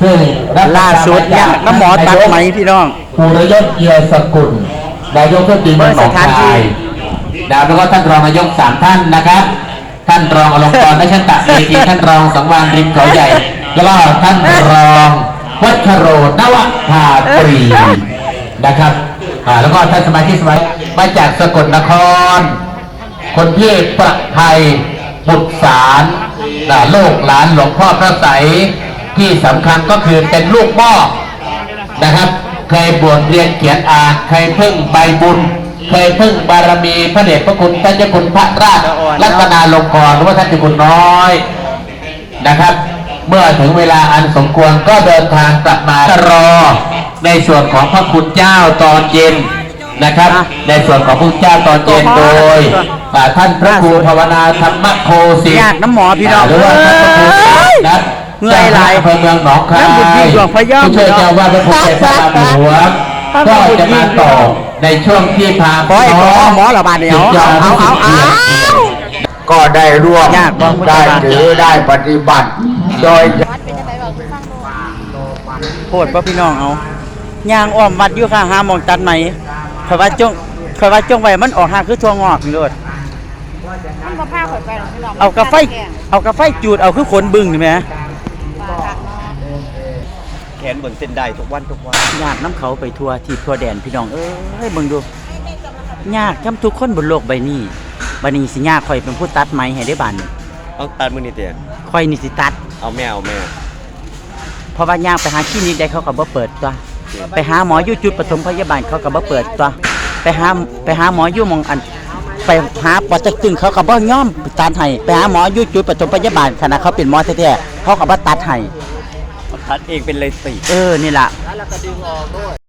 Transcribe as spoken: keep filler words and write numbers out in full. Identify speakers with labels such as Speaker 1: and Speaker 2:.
Speaker 1: ซึ่ง
Speaker 2: ล่าสุดเนี่ยน้ำหมอตัดไหมพี่น้อง
Speaker 1: ภูรยศเอียสกุลนายกเทศมนตรีเมืองหนองคายดาวแล้วก็ท่านรองนายกสามท่านนะครับท่านรองอลงกรณ์นชันตะเมธีท่านรองสังวานริมเขาใหญ่แล้วก็ท่านรองวัชโรนวภาตรีนะครับแล้วก็ท่านสมาชิกสมาชิกมาจากสกลนครคนที่ประภัยบุตรสารโลกหลานหลวงพ่อพระไสยที่สำคัญก็คือเป็นลูกหม้อนะครับเคยบวชเรียนเขียนอ่านเคยพึ่งใบบุญเคยพึ่งบารมีพระเดชพระคุณท่านเจ้าคุณพระราชรัตนาลงกรณ์หรือว่าท่านเจ้าคุณน้อยนะครับเมื่อถึงเวลาอันสมควรก็เดินทางกลับมารอในส่วนของพระคุณเจ้าตอนเย็นนะครับในส่วนของพระเจ้าตอนเย็นโดยท่านพระครูภาวนาธรรมโคสิ
Speaker 2: อยากน้ำหมอพี่น้อง
Speaker 1: หรือว่าท่านพระครูนัท
Speaker 2: เงื่อยไหล
Speaker 1: อำเภอเมืองหนองคายผู้ช่วยเจ้าว่าพระครูเจ้าพระหลวงก็จะมาต่อในช่วงที่พา
Speaker 2: ขอให้ขอหมอระบาดเดียวเอาเอาเอาเอา
Speaker 3: ก็ได้ร่วมได้ถือได้ปฏิบัติโดย
Speaker 2: โคตรว่าพี่น้องเอาย่างอ้อมวัดอยู่ค่ะหาหมองตัดไหมคอยว่าจ้องคอยว่าจ้องไว้มันออกหาคือทั่วงอกนี่เลย
Speaker 4: มันก็ผ้าข่อยไปหรอกพี่น้อง
Speaker 2: เอากระไฟเอากระไฟจูดเอาคือขนบึ้งนี่ไหม
Speaker 5: แขนบนเส้นได้ทุกวันทุกวัน
Speaker 2: ยากน้ำเขาไปทัวที่ทัวแดนพี่น้องเอ้ยเบิ่งดูยากจำทุกคนบนโลกใบนี้บัดนี้สิยากคอยเป็นผู้ตัดไม้ให้ได้บาน
Speaker 5: เอาตัดมือนี่เตี้ย
Speaker 2: คอยนี่สิตัด
Speaker 5: เอาแมวแมว
Speaker 2: เพราะว่ายากไปหาคลินิกได้เขาก็บ่เปิดตัวไปหาหมออยู่จุดปฐมพยาบาลเขาก็บ่เปิดตัวไปหาไปหาหมออยู่มองอันไปหาปอดตึงเขาก็บ่ยอมตัดให้ไปหาหมออยู่จุดปฐมพยาบาลขณะเขาเป็นหมอแท้ๆเขาก็บ่ตัดให้
Speaker 5: ตัดเองเป็นเลยสิ
Speaker 2: เออนี่ล่ะ